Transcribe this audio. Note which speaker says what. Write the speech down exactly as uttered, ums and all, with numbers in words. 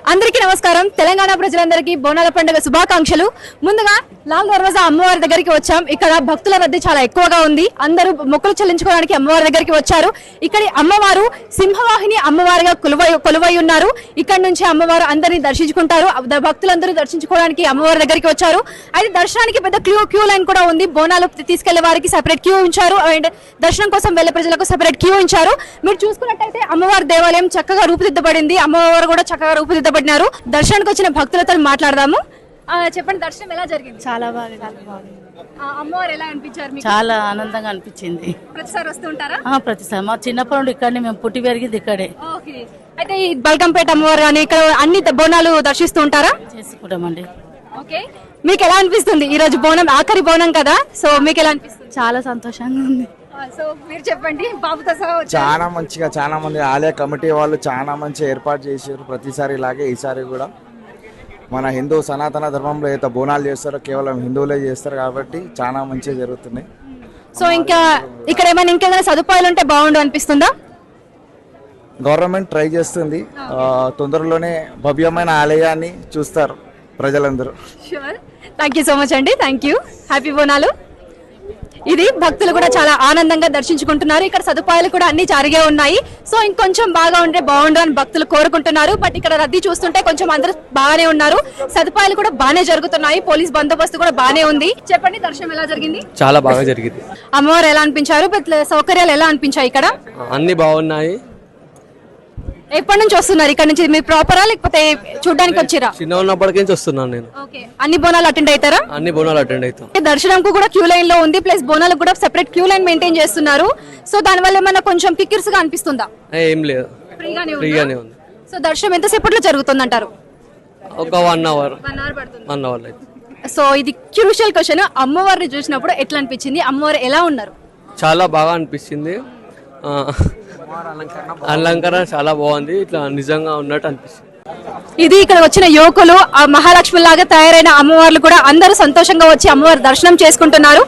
Speaker 1: అందరికీ నమస్కారం. తెలంగాణ ప్రజలందరికీ బోనాల పండుగ శుభాకాంక్షలు. ముందుగా లాల్ దర్వాజా అమ్మవారి దగ్గరికి వచ్చాం. ఇక్కడ భక్తుల రద్దీ చాలా ఎక్కువగా ఉంది. అందరూ మొక్కులు చెల్లించుకోవడానికి అమ్మవారి దగ్గరికి వచ్చారు. ఇక్కడ అమ్మవారు సింహవాహిని అమ్మవారిగా కొలువై కొలువై ఉన్నారు. ఇక్కడ నుంచి అమ్మవారు అందరినీ దర్శించుకుంటారు. భక్తులందరూ దర్శించుకోవడానికి అమ్మవారి దగ్గరికి వచ్చారు. అయితే దర్శనానికి పెద్ద క్యూ క్యూ లైన్ కూడా ఉంది. బోనాలు తీసుకెళ్లే వారికి సెపరేట్ క్యూ ఉంచారు అండ్ దర్శనం కోసం వెళ్లే ప్రజలకు సెపరేట్ క్యూ ఉంచారు. మీరు చూసుకున్నట్టయితే అమ్మవారి దేవాలయం చక్కగా రూపుదిద్దబడింది. అమ్మవారు కూడా చక్కగా రూపుదిద్దబడినారు. దర్శనానికి వచ్చిన భక్తులతో మాట్లాడదాము. చెప్పండి, దర్శనం ఎలా జరిగింది?
Speaker 2: చాలా బాగా
Speaker 1: అమ్మవారు ఎలా అనిపించారు మీకు?
Speaker 2: చాలా ఆనందంగా అనిపించింది.
Speaker 1: ప్రతిసారి వస్తూ ఉంటారా?
Speaker 2: ప్రతిసారి మా చిన్నప్పటి నుండి ఇక్కడనే, మేము పుట్టి పెరిగింది ఇక్కడే.
Speaker 1: ఓకే. అయితే ఈ బల్కంపేట అమ్మవారు అని ఇక్కడ అన్ని బోనాలు దర్శిస్తూ ఉంటారా?
Speaker 2: చేసుకుంటామండి.
Speaker 1: ఓకే. మీకు ఎలా అనిపిస్తుంది? ఈ రోజు బోనం ఆఖరి బోనం కదా, సో మీకు ఎలా అనిపిస్తుంది?
Speaker 2: చాలా సంతోషంగా ఉంది.
Speaker 1: సో మీరు చెప్పండి, బాబుతో సహా వచ్చారు.
Speaker 3: చాలా మంచిగా, చాలా మంది ఆలయ కమిటీ వాళ్ళు చాలా మంచిగా ఏర్పాటు చేశారు. ప్రతిసారి ఇలాగే ఈసారి కూడా మన హిందూ సనాతన ధర్మంలో అయితే బోనాలు చేస్తారో కేవలం హిందువులే చేస్తారు కాబట్టి చాలా మంచిగా జరుగుతున్నాయి.
Speaker 1: సో ఇంకా ఇక్కడ ఏమైనా ఇంకేమైనా సదుపాయాలు ఉంటే బాగుండు అనిపిస్తుందా?
Speaker 3: గవర్నమెంట్ ట్రై చేస్తుంది. తొందరలోనే భవ్యమైన ఆలయాన్ని చూస్తారు ప్రజలందరూ.
Speaker 1: థ్యాంక్ యూ సో మచ్ అండి. Thank you. హ్యాపీ బోనాలు. ఇది భక్తులు కూడా చాలా ఆనందంగా దర్శించుకుంటున్నారు. ఇక్కడ సదుపాయాలు కూడా అన్ని జరిగే ఉన్నాయి. సో ఇంకొంచెం బాగా ఉంటే బాగుండు అని భక్తులు కోరుకుంటున్నారు. బట్ ఇక్కడ రద్దీ చూస్తుంటే కొంచెం అందరూ బాగానే ఉన్నారు. సదుపాయాలు కూడా బాగానే జరుగుతున్నాయి. పోలీస్ బందోబస్తు కూడా బాగానే ఉంది. చెప్పండి, దర్శనం ఎలా జరిగింది?
Speaker 4: చాలా బాగా జరిగింది.
Speaker 1: అమ్మవారు ఎలా అనిపించారు? సౌకర్యాలు ఎలా అనిపించాయి? ఇక్కడ
Speaker 4: అన్ని బాగున్నాయి.
Speaker 1: ఎప్పటి నుంచి వస్తున్నారు ఇక్కడ నుంచి? మీరు ప్రాపరా లేకపోతే చూడడానికి వచ్చిరా?
Speaker 4: చిన్న ఉన్నప్పటికీ నుంచి వస్తున్నాను నేను.
Speaker 1: అన్ని బోనాలు అటెండ్ అవుతారా?
Speaker 4: అన్ని బోనాలు అటెండ్ అవుతాం.
Speaker 1: దర్శనంకు కూడా క్యూ లైన్ లో ఉంది, ప్లస్ బోనాలకు కూడా సెపరేట్ క్యూ లైన్ మెయింటైన్ చేస్తున్నారు. సో దాని వల్ల ఏమన్నా కొంచెం కిక్కిర్స్ గా అనిపిస్తుందా?
Speaker 4: ఏం లేదు, ఫ్రీగానే ఉంది.
Speaker 1: సో దర్శనం ఎంతసేపట్లో జరుగుతుంది అంటారు?
Speaker 4: ఒక వన్ అవర్ వన్ అవర్ అయితే.
Speaker 1: సో ఇది క్రూషియల్ క్వశ్చన్. అమ్మవారిని చూసినప్పుడు ఎట్లా అనిపించింది? అమ్మవారు ఎలా ఉన్నారు?
Speaker 4: చాలా బాగా అనిపించింది. అలంకరణ చాలా బాగుంది. ఇట్లా నిజంగా ఉన్నట్టు అనిపిస్తుంది.
Speaker 1: ఇది ఇక్కడ వచ్చిన యువకులు ఆ మహాలక్ష్మి లాగా తయారైన అమ్మవార్లు కూడా అందరూ సంతోషంగా వచ్చి అమ్మవారి దర్శనం చేసుకుంటున్నారు.